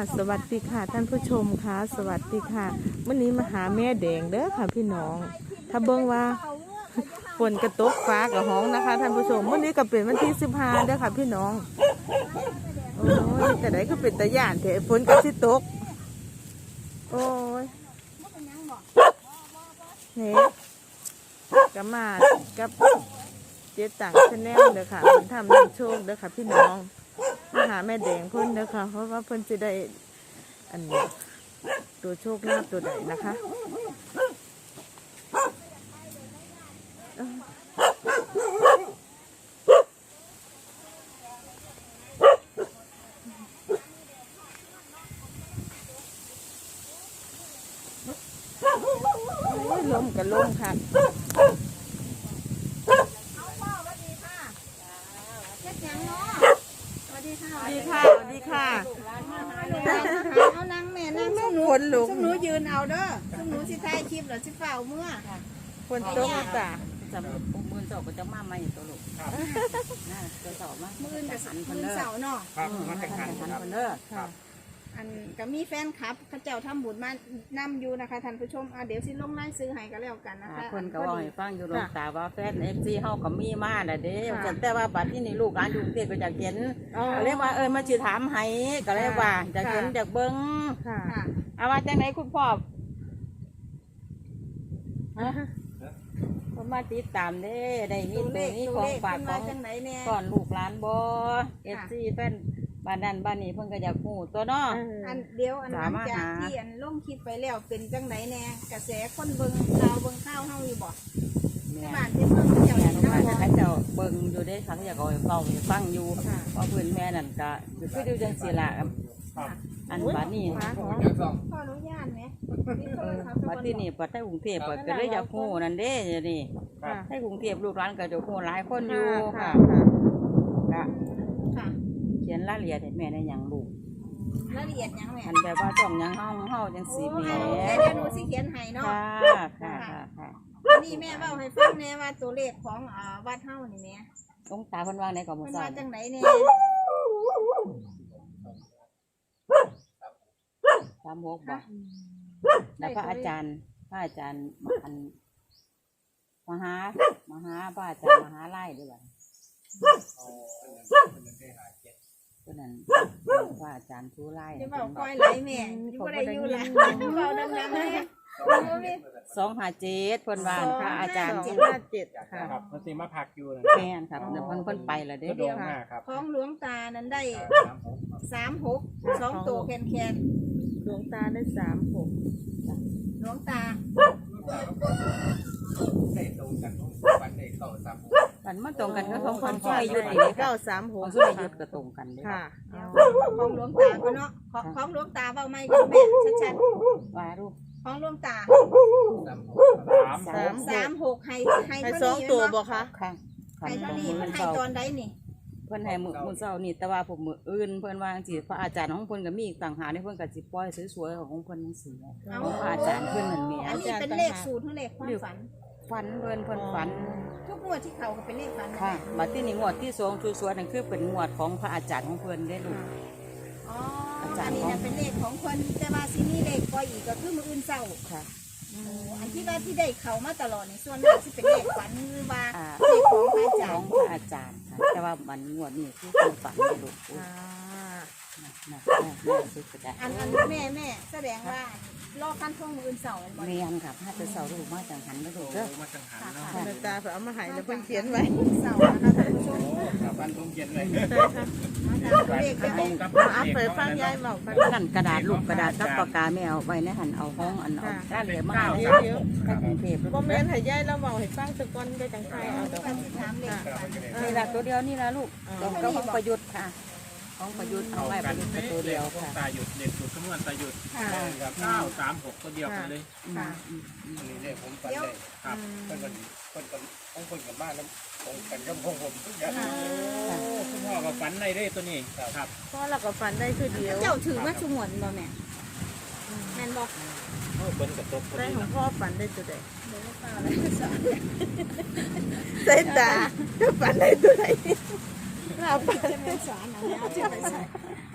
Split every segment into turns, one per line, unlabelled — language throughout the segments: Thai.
สวัสดีค่ะท่านผู้ชมค่ะสวัสดีค่ะวันนี้มาหาแม่แดงเด้อค่ะพี่น้องถ้าเบิ่งว่าฝนกระตกฟ้ากับห้องนะคะท่านผู้ชมวันนี้ก็เป็นวันที่15เด้อค่ะพี่น้องโอ้ยแต่ไหนก็เป็นตะย่านเถอะฝนก็สิตกโอ้ยเนี่ยก็มากับเจ๊ต่างชาแนลเด้อค่ะมันทำน้ำโชคเด้อค่ะพี่น้องมาหาแม่แดงเพิ่นเด้อค่ะเพราะว่าเพิ่นจะได้อันนี้ตัวโชคลาภตัวใดนะคะลมกับลมค่ะดีค่ะดีค่ะ
เอานั่งแม่นั่งซุ่มหนู
คนลุก
ซุ่มหนูยืนเอาเด้อซุ่มหนูสิถ่ายคลิปหรือสิเฝ้าเมื่อ
คนตกจ้ะ
จะมือสอบก็จะมาใหม่ตัวลูกน่าจะสอบมา
มื้ออื่นกับ
หันคน
มื้อ
เด้อ
เสาร์เนาะ
ครับมาแข่งขัน
หัน
ครับ
คนเด้อ
ค่ะ
อันก็มีแฟนคลับเขาเจ้าทำบุญมานำอยู่นะคะท่านผู้ชมเดี๋ยวสิลงไล่ซื้อให้ก็แล้วกันนะคะ
คนก็ว่าให้ฟังอยู่ลงตาว่าแฟนFCเฮาก็มีมาน่ะเด้แต่ว่าบัดที่นี่ลูกหลานอยู่กรุงเทพก็อยากเห็นก็เลยว่ามาสิถามให้ก็เลยว่าอยากเห็นอยากเบิ่ง
ค่ะ
ค่ะ
เอาว่าจังได๋คุณพ่อก็มาติดตามเด้ได้มีตัวนี้ของฝากของ
จังไหนแน่
ก่อนลูกหลานบ่FC แฟนบ้านนั้นบ้านนี้เพิ่นก็อยากฮู้ตัวเนาะ
อันเดียวอันหลังจากที่อันลงคลิปไปแล้วเป็นจังไหนแน่กระแสคนเบิ่งข่าวเบิ่งข้าวเฮาอยู่บ่
แม่
บ้านที่เพิ่นเจ้า
แม่
เห็น
ลูกหลาน
เนาะ
เขาเจ้าเบิ่งอยู่ได้เขาอยากเอาไปเฝ้าไปฟังอยู่เพราะเพิ่นแม่นั่นก็คือดูจังซี่ล่ะอันบัดนี้
ขออนุญาตไหม
บัดที่นี่ปัดให้กรุงเทพเปิดก็เลยอยากฮู้นั่นเด้เดี๋ยวนี้
ค่ะ
ให้กรุงเทพลูกหลานก็จะฮู้หลายคนอยู่
ค่ะ
ค่ะ
ค่ะ
เขียนรายละเอียดให้แม่ได้หยังลูก
รายละเอียดยังแม่
อันแบบว่าช่องหยังเฮาจังซี่แหม่
เดี๋ยวหนูสิเขียนให้เนาะ
ค่ะค่ะ
นี่แม่เว้าให้ฟังแน่ว่าตัวเลขของวัดเฮานี่แม่
องตาเพิ่นว่าไหนก็บ่
เพิ่น
ทรา
ว่า
บ
จังไหนแน่
36บ่แล้วพระอาจารย์อันมหาพระอาจารย์มหาไล่ด้วยบ่ตัวนั้นพระอาจารย์ผู้ไล่
จะเว้าก้อยไหลแม่อยู่บ่ได้อยู่ล่ะเว้าดังๆแม่
257เพิ่นว่าพระอาจารย์
257ค่ะ
ครับมันสิมาพักอยู่นะ
แม่นครับเพิ่นไปแล้วเด้
ก็โดนมากครับ
ของหลวงตานั้นได้36 2ตัวแคน
ดวงตาได้36
ๆหลวงตา
ได้ตรงกันวันได้เข้าซ้
มันมาตรงกันก็ของคนช่วยหยุด ของ
936
ช่วยหยุดก็ตรงกันเด้
ค่ะ
ของหลวงตาก็เนาะของหลวงตาเว้าไม่ก็แม่ชัด
ว่ารูป
ๆของหลวงตา
ำ
36ให้
ให้
เท่า
2
นี้
ตัว
บ่
บ่คะ
ค่ะ
ให้เท่านี้
เพิ่
มัน
น
ให้
เศร้า
ตอนใดนี่
เพิ่นให้มื้อเช้านี่แต่ว่าผมมื้ออื่นเพิ่นว่าจังซี่พระอาจารย์ของเพิ่นก็มีอีกต่างหากเพิ่นก็สิปล่อยสวยๆของเพิ่นจังซี่ของพระอาจารย์เพิ่นนั่นแหม
อันนี้เป็นเลขสูตรหรือเลขความฝัน
ฝันเพิ่นฝัน
ทุกงวดที่เขาก็เป็นเลขฝันนะ
ค่ะบัดที่นี่งวดที่2สวยๆนั่นคือเป็นงวดของพระอาจารย์ของเพิ่นได้ลูก
อ๋ออันนี้เนี่ยเป็นเลขของคนแต่ว่าซีนี่เลขปล่อยอีกก็คือมืออื่นเศร้า
ค่ะ
อันที่ว่าที่ได้เขามาตลอดในส่วนมากที่เป็นเลขฝันหรือว่า
อ่า
เลขของพระอาจา
ข
ร
อง
ย์
พระอาจารย์ค่ะแต่ว่ามันงวดนี้คือความฝันได้ลูก
อ่า
นะสุดได้
อันแม่แสดงว่ารอขั้นช่วงมืออื่นเศร้าเป็นบ่
เรียนค่ะพระจะเสาลูกมาจังหันได้ลูกเด้อ
มาจังหันเนาะ
ดวงตาเพิ่นเอามาให้แล้วเพิ่นเขียนไว้
เศร้านะคะท่านผู้ชม
ครับบ้านทุ่งเย็นเลย
ใช่ค่ะ
ตัวเลข
ต
จะ
ร
เป็น
งกับ
เอาไปฟังยายบอกกัน
นั่นกระดาษลูกกระดาษกับปากกาแม่เอาไว้ในหันเอาห้องอันเอาด้านเหลือมา
เดี๋
ให้
ยว
ให้กรุงเทพ
บ่แม่นให้ยายเราเว้าให้ฟังสักก่อนได้จังไผเอาดอก
การถามเลขฝัน
นี่ละตัวเดียวนี่ละลูกตรงกับของประยุทธ์ค่ะของประยุทธ์เอาไว้ประยุทธ์ตัวเดียวค่ะ
ตาหยุดเด็กสุดขมวนตาหยุดกับ936ตัวเดียวกันเลย
ค่ะ
อันนี้เนี่ยผมฝันเลยครับเพิ่นต้องคนกับบ้านแล้วตรงกันกับของผมทุกอย่างคุณพ่อกับฝันในได้ตัวนี้ครับ
พ่อเราก็ฝันได้คือเดียว
เจ้าถือมาสมวนบ่แม่แม่นบ่
เพิ่นกับตก
ได้ของพ่อฝันได้ตัวใด
เดี๋ยวเปล่าเลยสอน
ใส่ตาฝันได้ตัวใดเราฝัน
จะเป็นสอนเอาแล้วจะไปใส่เอา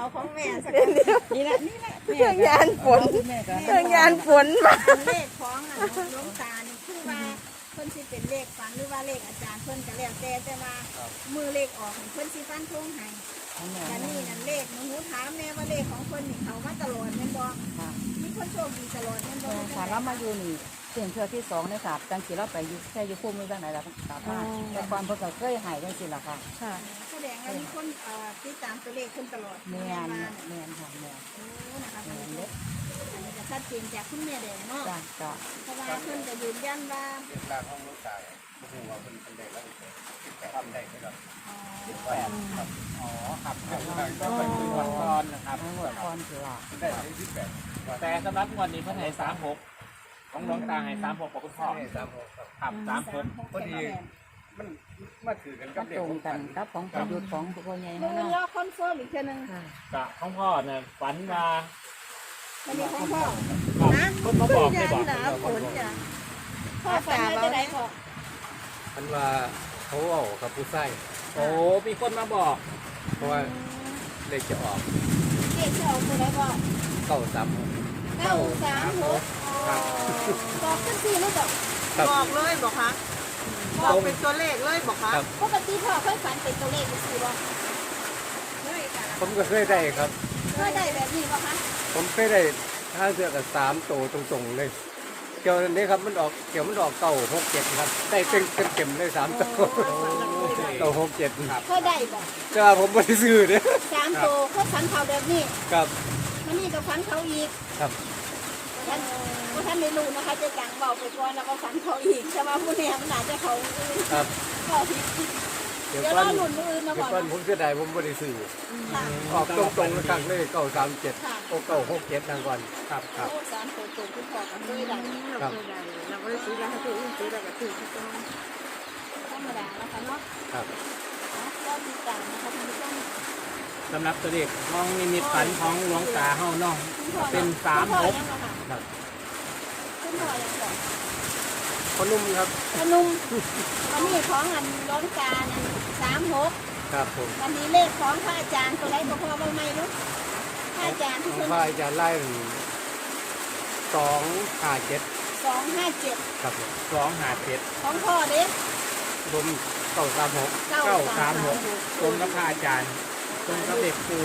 เอาของแม่สัก
นี่แหละ
เครื่องยานฝน
แม่ก็
เครื่องยานฝนมา
เลขของหลวงตานี่คือว่าเพิ่นสิเป็นเลขฝันหรือว่าเลขอาจารย์เพิ่นก็แล้วแต่ว่ามือเลขออกเพิ่นสิฟันธงให้แต่นี่นั่นเลขหนูถามแม่ว่าเลขของเพิ่นนี่เขามาตลอดแม่นบ่มีคนโชคดีตลอดแม่นบ่
ค่ะเรามาอยู่นี่เสียงเทือที่2เนี่ยค่ะจังสิเราไปอยู่แค่อยู่ภูมิจังไหนล่ะกลับมาแต่ความเพิ่นก็เคยให้จังซี่ล่ะค่ะ
ค่ะ
แสดงว่ามีคนติดตามตัวเลขเพิ่นตลอด
แม่น
มา
แม่นค่ะแม่น
โอ้นะคะท่านผู้ชมอันนี้จะชัดเจนจากคุณแม่แดงเนาะ
จ้ะ
เพราะว่าเพิ่นจะยืนยันว่า
เป็นร่างของลูกชายโอ้โหว่าเป็นเด็กแล้วทำได้ไหมครับ
อ๋อ
18ครับอ๋อครับก็เป็นวันก่อนนะครับ
ทั้งหมดพรคือว่า
ได้ที่18
แต่สำหรับงวันนี้เพิ่นให้36ของหลวงตาให้36บอกคุณพ่อ
ให้36ครับ
ครับ36
พอดีมันมาถือกันกั
ก็
บเด็ก
ตรง
ผม
กันกับของประยุทธ์ของพ่อใหญ่
มื
เฮา
อ
เนาะ
รอคอนเฟิร์มอีกเทื่อนึง
กับของพ่อเนี่ยฝันว่า
วันนี้ของพ่อ
ครับ
นะ
เพิ่นมาบอกได้บอก
หนาฝนจ้ะพ่อฝันว่าจะได้พ่อ
มันว่าเขาเอากับผู้ใส่
โอ้มีคนมาบอก
เพราะว่าเลขจะออก
เจ๊เช่าตัวไหนพ่อ
936
936บอกขึ้นทีหรือบอก
ครับ
บอกเลยบอกคะบอกเป็นตัวเลขเลยบอกคะ
ครับ
ปกติพ่อเคยฝันเป็นตัวเลขสิบ่เคยค่ะ
ผมก็เคยได้ครับ
เคยได้แบบนี้ป่ะคะ
ผมเคยได้ถ้าเสือกับ3ตัวตรงๆเลย เกี่ยวนี้ครับมันออกเกี่ยวมันออก967ครับได้เต็มเลย3ตัว967ครับ
เคยได้บ่
แต่ว่าผมไม่ได้ซื้อเนี่ย
3ตัวเขาฝันเขาแบบนี้
ครับ
มันนี่ก็ฝันเขาอีก
ครับ
ท่านไม่รู้นะคะจะจังเบาไปก่อนแล้วก็ฝันเขาอีกใช่ไหมผู้นี้มันอาจจะเขาอื่น
ครับ
ก็ผิด
เดี๋ยว
เดี๋ยว
ก่
ร
อน
อหลุนมืออื่นมา
เดี๋ย
ก่
ว
อน
ก่อนผมเสียดายผมไม่ได้ซื้อ
ค่ะ
ออกตรงๆแล้วครั้งเลย937โอ้967ทางก่อนครับครับ
โอ้สามตัวตรงคุณพ่อกับเคยได้
ครับ
เราไม่ได้ซื้อแล้วให้ตัวอื่นซื้อแล้วก็ถือที่ต้อง
ธรรมดาแล้วค่ะเนาะ
ครับ
เราติดตามนะคะท่านผู้ชม
สำหรับตัวเลขของนิมิตฝันของหลวงตาเฮาเนาะ เป็น
คุณพ่อ
36
ยังบ่ค่ะ
ครับ
คุณพ่อยังก่อน
พนุ่มครับ
พนุ่มวันนี้ของอันร้อนกานั่น36
ครับผม
วันนี้เลขของพระอาจารย์ตัวไหนก็พอบ่ไม่รู้พระอาจารย์
ข
ที่
อง
เพิ่น
พระอาจารย์ไล่257
257
ครับผม
257
ของพ่อเด้
ผม936
936ตรงกับพระอาจารย์ตรงกับเด็กครู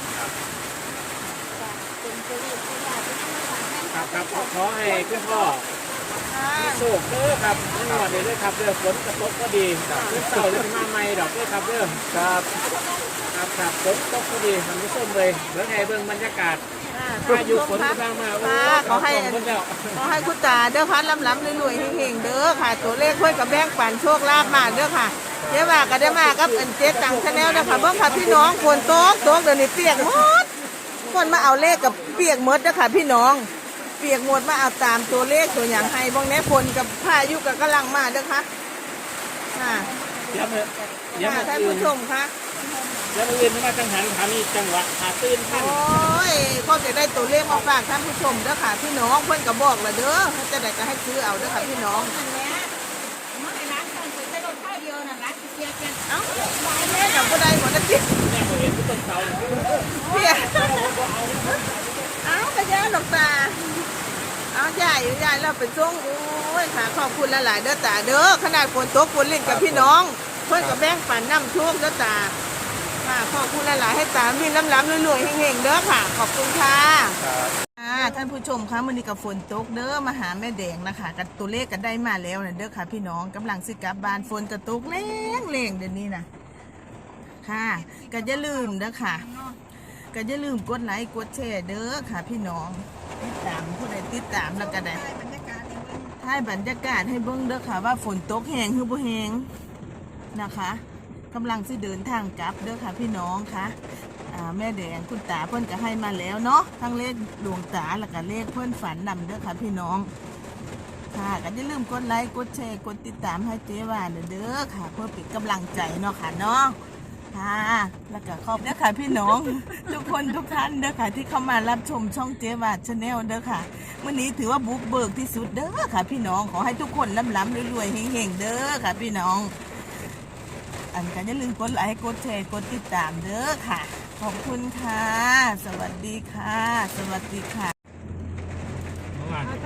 เป็นตัวเลขที่ว่าที่นำมาฝากแม่
ครับขอให้คุณพ่อมีโชคเด้อครับไม่หมดเลยเด้อครับเด้อฝนกระตกก็ดีขึ้นเสาเลยมาใหม่ดอกเด้อครับเด้อ
ครับ
ครับฝนตกก็ดีทำให้ส้มเลยเบิ่งให้เบิ่งบรรยากาศพายุฝนกำลังมาโอ้
ขอให้
ขอบคุณแล้ว
ขอให้คุณตาเด้อพันล้ำๆรวยๆเฮงๆเด้อค่ะ ตัวเลขค่อยกับแบงปันโชคลาภมาเด้อค่ะเดี๋ยวว่าก็ได้มากับอันเจ๊ตังชาแนลนะคะเบิ่งค่ะพี่น้องฝนตกเดี๋ยวนี้เปียกหมดคนมาเอาเลขกับเปียกหมดเด้อค่ะพี่น้อง เปียกหมดมาเอาตามตัวเลขตัวอย่างให้บ้างแน่ฝนกับพายุกับกำลังมาเด้อค่ะค่ะ
เดี๋ยวมือเดี๋ยว
ค่ะ
มือ
ท่าน
อื่
ผู้
น
ชมค่ะ
เดี๋ยวมืออื่นมาจังหันขามีจังหวะหาตื่นท่าน
โอ้ยก็จะได้ตัวเลขมาฝากท่านผู้ชมเด้อค่ะพี่น้องเพิ่นก็บอกและเด้อจะได้ก็ให้ซื้อเอาเด้อค่ะพี่น้อง
นั่นแหละมาให้ร้านก่อนสิได้รถข้าวเดียวน่ะร้านสิเสียกัน
เอ้าแม่กับบ่ได้หมดนะจิ
แม่ผมเห็นที่ต้นเสา
เพียเอ้ากระยาดอกตาเอาใหญ่ใหญ่เราไปส่งโอ้ยค่ะขอบคุณหลายๆเด้อตาเด้อขนาดฝนตกฝนเล่นกับพี่น้องเพิ่นก็แบ่งปันน้ำท่วมเด้อตาค่ะขอบคุณหลายๆให้ตามีล้ำๆรวยๆเฮงๆเด้อค่ะ ขอบคุณค่ะ
ครับ
ท่านผู้ชมคะมื้อนี้กับฝนตกเด้อมาหาแม่แดงนะคะกับตัวเลขก็ได้มาแล้วนะเด้อค่ะพี่น้องกำลังสิกลับบ้านฝนก็ตกแรงๆเดี๋ยวนี้นะค่ะก็อย่าลืมเด้อค่ะก็อย่าลืมกดไลค์กดแชร์เด้อค่ะพี่น้องติดตามผู้ใดติดตามแล้วก็ได้
ได้บรรยากาศอย่างนี้
ถ่ายบรรยากาศให้เบิ่งเด้อค่ะว่าฝนตกแห้งหรือบ่แห้งนะคะกำลังสิเดินทางกลับเด้อค่ะพี่น้องค่ะแม่แดงคุณตาเพิ่นก็ให้มาแล้วเนาะทั้งเลขหลวงตาแล้วก็เลขเพิ่นฝันนำเด้อค่ะพี่น้องค่ะก็อย่าลืมกดไลค์กดแชร์กดติดตามให้เจ๊วานเด้อค่ะ เพื่อเป็นกำลังใจเนาะค่ะเนาะค่ะแล้วก็ขอบเด้อค่ะพี่น้อง ทุกคนทุกท่านเด้อค่ะที่เข้ามารับชมช่องเจ๊วานชาแนลเด้อค่ะวันนี้ถือว่าบุกเบิกที่สุดเด้อค่ะพี่น้องขอให้ทุกคนล้ำๆรวยๆเฮงๆเด้อค่ะพี่น้อง อันก็อย่าลืมกดไลค์กดแชร์กดติดตามเด้อค่ะขอบคุณค่ะ สวัสดีค่ะ สวัสดีค่ะ
เมื่อวาน
เอา